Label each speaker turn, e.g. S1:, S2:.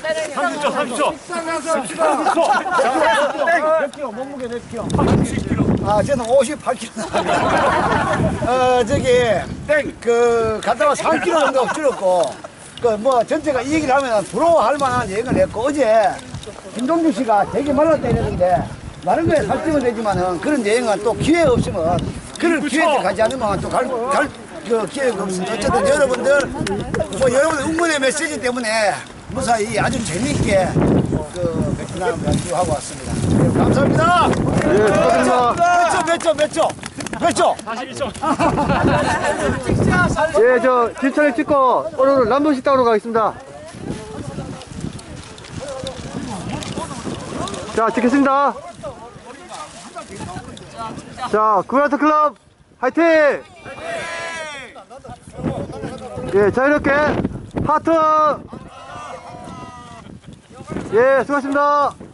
S1: 30초.
S2: 몇 킬로? 몸무게 몇 킬로? 80kg. 아, 저는 58kg. 갔다 와 3kg 정도 줄었고, 전체가 이 얘기를 하면 부러워할 만한 얘기를 했고, 어제 김동준 씨가 되게 말랐다 이랬는데, 다른 거에 살찌면 되지만은 그런 여행은 또 기회 없으면, 그런 기회를 가지 않으면 또 기회가 없습니다. 어쨌든 여러분들, 여러분들 응원의 메시지 때문에 무사히 아주 재미있게 베트남 연주하고 왔습니다. 네, 감사합니다.
S3: 예, 수고하셨습니다.
S2: 몇 초?
S1: 42초.
S3: 예, 저 진천에 찍고 오늘은 남동식당으로 가겠습니다. 자, 찍겠습니다. 자, 구라트 클럽 화이팅! 예, 자유롭게 하트! 예, 수고하셨습니다.